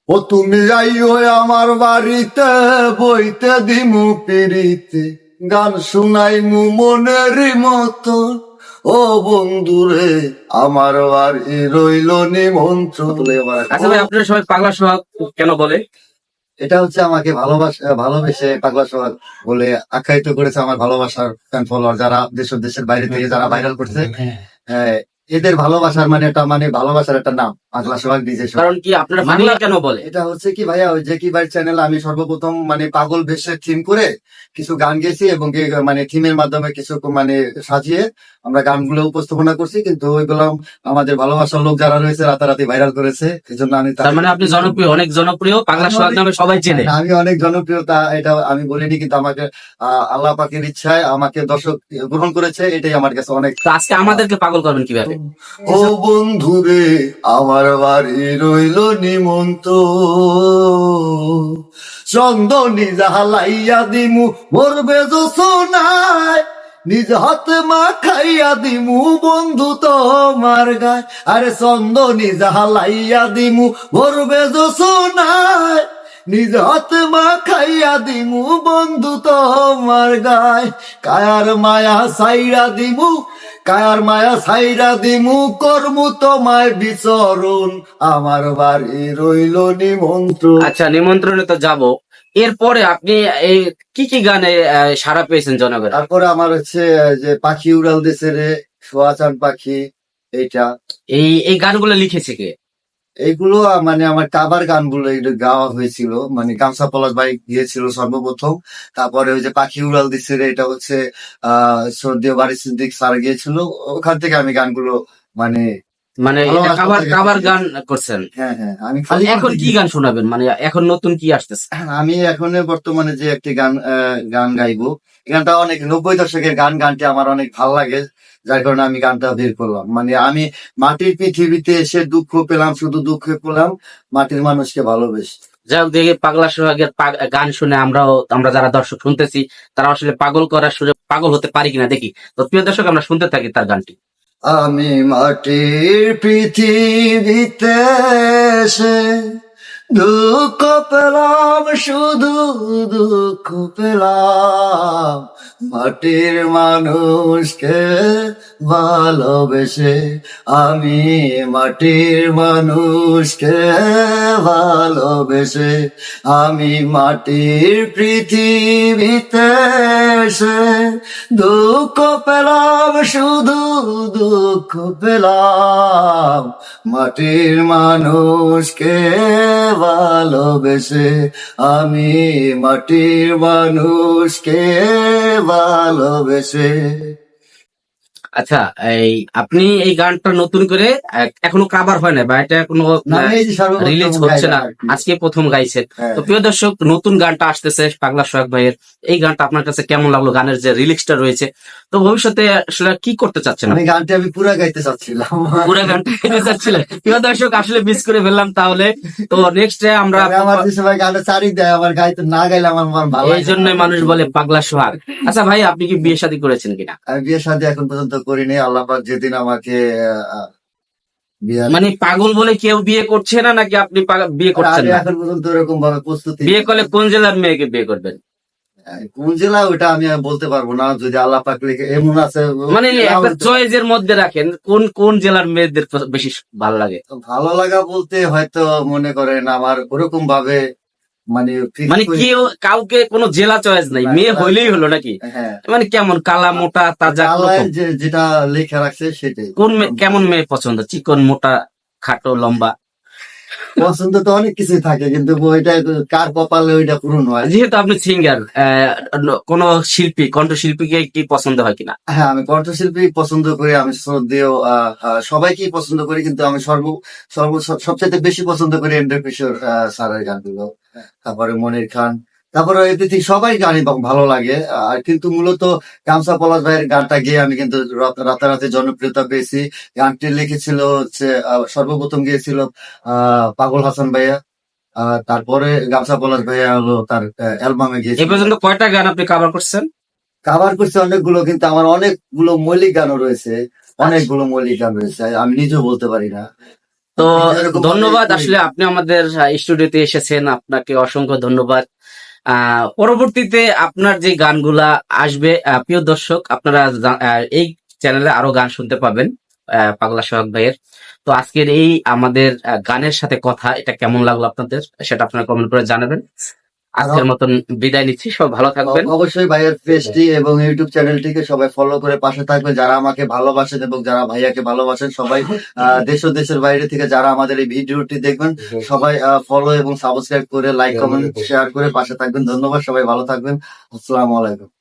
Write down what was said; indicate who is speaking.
Speaker 1: ও তুমি আইও আমার বাড়িতে, বইতে দিমু পিড়িতে, গান শুনাইমু মনের মতো। ও বন্ধুরে আমার বাড়ি রইল নিমন্ত্রণ।
Speaker 2: আচ্ছা ভাই, আপনারা সবাই পাগলা সোহাগ কেন বলে?
Speaker 1: এটা হচ্ছে আমাকে ভালোবেসে পাগলা সোহাগ বলে আখ্যায়িত করেছে আমার ভালোবাসার ফ্যান ফলোয়ার, যারা দেশের বাইরে থেকে যারা ভাইরাল করছে। হ্যাঁ, এদের ভালোবাসার মানে একটা ভালোবাসার একটা নাম পাগলা সোহাগ ডিজে সোহাগ।
Speaker 2: কারণ কি আপনারা পাগলা কেন বলে?
Speaker 1: এটা হচ্ছে কি ভাইয়া, ওই যে কি ভাই চ্যানেল আমি সর্বপ্রথম পাগল বেশে থিম করে কিছু গান গেয়েছি, এবং থিমের মাধ্যমে কিছু সাজিয়ে আমরা গানগুলো উপস্থাপনা করছি, কিন্তু ওইগুলো আমাদের ভালোবাসার লোক যারা রয়েছে রাতারাতি ভাইরাল করেছে। এই জন্য আমি
Speaker 2: তার মানে আপনি জনপ্রিয়, অনেক জনপ্রিয়, পাগলা সোহাগ নামে সবাই চেনে।
Speaker 1: আমি অনেক জনপ্রিয়তা, এটা আমি বলিনি, কিন্তু আমাকে আল্লাহ পাকের ইচ্ছায় আমাকে দর্শক গ্রহণ করেছে, এটাই আমার কাছে অনেক।
Speaker 2: তো আজকে আমাদেরকে পাগল করবেন কিভাবে?
Speaker 1: ও বন্ধুরে আমার বাড়ি রইল নিমন্ত, চন্দনী জাহালাইয়া দিমু মরবে জোছনায়, নিজ হাতে মা খাইয়া দিমু বন্ধু তোমার গায়। আরে চন্দনী জাহালাইয়া দিমু মরবে জোছনায়, নিজ হাতে মা খাইয়া দিমু বন্ধু তোমার গায়। কায়ার মায়া সাইরা দিমু, কায়ার মায়া সাইরা দিমু, কর্মু তোমায় বিচরণ, আমার বাড়ি রইল নিমন্ত্রণ।
Speaker 2: আচ্ছা, নিমন্ত্রণে তো যাব। এরপরে আপনি এই কি কি গানে সাড়া পেয়েছেন জনগণ?
Speaker 1: তারপরে আমার হচ্ছে যে পাখি উড়াল দেশে রে, সোয়াচান পাখি, এইটা।
Speaker 2: এই গানগুলো লিখেছে কে?
Speaker 1: এইগুলো আমার কাবার গানগুলো এগুলো গাওয়া হয়েছিল, গামছা পলাশ ভাই গিয়েছিল সর্বপ্রথম। তারপরে ওই যে পাখি উড়াল দিচ্ছে রে, এটা হচ্ছে শ্রদ্ধেয় বারি সিদ্দিক স্যার গিয়েছিল, ওখান থেকে আমি গানগুলো মানে
Speaker 2: এটা কাবার গান করছেন?
Speaker 1: হ্যাঁ হ্যাঁ, আমি
Speaker 2: এখন কি গান শোনাবেন? এখন নতুন কি আসতেছে?
Speaker 1: আমি এখন বর্তমানে যে একটি গান গাইবো, এই গানটা অনেক 90 দশকের গানটি আমার অনেক ভালো লাগে, যার কারণে আমি গানটা বের করলাম। আমি মাটির পৃথিবীতে এসে দুঃখ পেলাম, শুধু দুঃখ পেলাম মাটির মানুষকে ভালোবেসে।
Speaker 2: যাই হোক, দেখে পাগলা সোহাগের গান শুনে আমরা যারা দর্শক শুনতেছি, তারা আসলে পাগল করার সুযোগ, পাগল হতে পারি কিনা দেখি। তো প্রিয় দর্শক, আমরা শুনতে থাকি তার গানটি।
Speaker 1: আমি মাটির পৃথিবীতে এসে দুঃখ পেলাম, শুধু দুঃখ পেলাম মাটির মানুষকে ভালোবেসে। আমি মাটির মানুষকে ভালোবেসে, আমি মাটির পৃথিবীতে এসে দুঃখ পেলাম, শুধু দুঃখ পেলাম মাটির মানুষকে ভালোবেসে। আমি মাটির মানুষকে ভালোবেসে।
Speaker 2: আচ্ছা, আপনি এই গানটা নতুন করে এখনো কাভার হয় না, বা এটা কোনো রিলিজ হচ্ছে না, আজকে প্রথম গাইছেন। তো প্রিয় দর্শক, নতুন গানটা আসতেছে পাগলা সোহাগ ভাইয়ের। এই গানটা আপনার কাছে কেমন লাগলো? গানের যে রিলিক্সটা রয়েছে, তো ভবিষ্যতে আসলে কি করতে চাচ্ছেন?
Speaker 1: গানটা আমি পুরা গাইতে চাচ্ছিলাম,
Speaker 2: পুরো গানটা গাইতে চাচ্ছিলেন? প্রিয় দর্শক, আসলে মিস করে ফেললাম। তাহলে তো নেক্সট ডে আমরা,
Speaker 1: আমার যে সবাই গানটা চারি দেয়, আমার গাইতে না গাইলে আমার ভালো,
Speaker 2: এই জন্য মানুষ বলে পাগলা সোহাগ। আচ্ছা ভাই, আপনি কি বিয়ে শাদী করেছেন কিনা?
Speaker 1: আমি বিয়ে শাদী এখন পর্যন্ত করিনি। আল্লাহ পাক যেদিন আমাকে
Speaker 2: পাগল বলে কেউ বিয়ে করছে না, নাকি আপনি বিয়ে করছেন না?
Speaker 1: এখন পর্যন্ত এরকম ভাবে প্রস্তুতি।
Speaker 2: বিয়ে করলে কোন জেলার মেয়েকে বিয়ে করবেন?
Speaker 1: কোন জেলা ওটা আমি বলতে পারবো না, যদি আল্লাহ পাক লিখে এমন আছে।
Speaker 2: একটা চয়েসের মধ্যে রাখেন, কোন কোন জেলার মেয়েদের বেশি ভালো লাগে?
Speaker 1: ভালো লাগা বলতে হয়তো মনে করেন আমার ওরকম ভাবে
Speaker 2: কেউ কাউকে কোনো জেলা চয়েস নাই, মেয়ে হইলেই হলো নাকি?
Speaker 1: হ্যাঁ,
Speaker 2: কেমন কালা মোটা তাজা,
Speaker 1: যেটা লেখা রাখছে সেটাই।
Speaker 2: কেমন মেয়ে পছন্দ? চিকন মোটা খাটো লম্বা?
Speaker 1: পছন্দ তো অনেক কিছুই থাকে, কিন্তু ওইটা কার কপালে ওইটা পূরণ হয়।
Speaker 2: যেহেতু আপনি সিঙ্গার, কোন শিল্পী, কণ্ঠশিল্পীকে কি পছন্দ হয় কিনা?
Speaker 1: হ্যাঁ, আমি কণ্ঠশিল্পী পছন্দ করি, আমি শ্রদ্ধেয় সবাইকেই পছন্দ করি, কিন্তু আমি সবচাইতে বেশি পছন্দ করি এন্ড্রু কিশোর স্যারের গানগুলো, তারপরে মনির খান, তারপরে এদিকে সবাই গানই ভালো লাগে। আর কিন্তু মূলত গামছা পলাশ ভাইয়ের গানটা গিয়ে আমি কিন্তু রাতারাতি জনপ্রিয়তা পেয়েছি। গানটি লিখেছিল হচ্ছে সর্বপ্রথম গিয়েছিল পাগল হাসান ভাইয়া, তারপরে গামছা পলাশ ভাইয়া হলো তার অ্যালবামে গিয়েছিল।
Speaker 2: এই পর্যন্ত কয়টা গান আপনি কভার করছেন?
Speaker 1: কাভার করছে অনেকগুলো, কিন্তু আমার অনেকগুলো মৌলিক গানও রয়েছে, অনেকগুলো মৌলিক গান রয়েছে, আমি নিজেও বলতে পারি না।
Speaker 2: তো
Speaker 1: এরকম
Speaker 2: ধন্যবাদ,
Speaker 1: ভাবে
Speaker 2: আসলে আপনি আমাদের স্টুডিওতে এসেছেন, আপনাকে অসংখ্য ধন্যবাদ। পরবর্তীতে আপনার যে গানগুলা আসবে, প্রিয় দর্শক আপনারা এই চ্যানেলে আরো গান শুনতে পাবেন পাগলা সোহাগ ভাইয়ের। তো আজকের এই আমাদের গানের সাথে কথা, এটা কেমন লাগলো আপনাদের, সেটা আপনারা কমেন্ট করে জানাবেন। আজকের মতন বিদায় নিচ্ছি, সব ভালো থাকবেন।
Speaker 1: অবশ্যই ভাইয়ের পেজটি এবং ইউটিউব চ্যানেলটিকে সবাই ফলো করে পাশে থাকবেন, যারা আমাকে ভালোবাসেন এবং যারা ভাইয়াকে ভালোবাসেন সবাই, দেশ ও দেশের বাইরে থেকে যারা আমাদের এই ভিডিওটি দেখবেন সবাই ফলো এবং সাবস্ক্রাইব করে লাইক কমেন্ট শেয়ার করে পাশে থাকবেন। ধন্যবাদ, সবাই ভালো থাকবেন। আসসালামু আলাইকুম।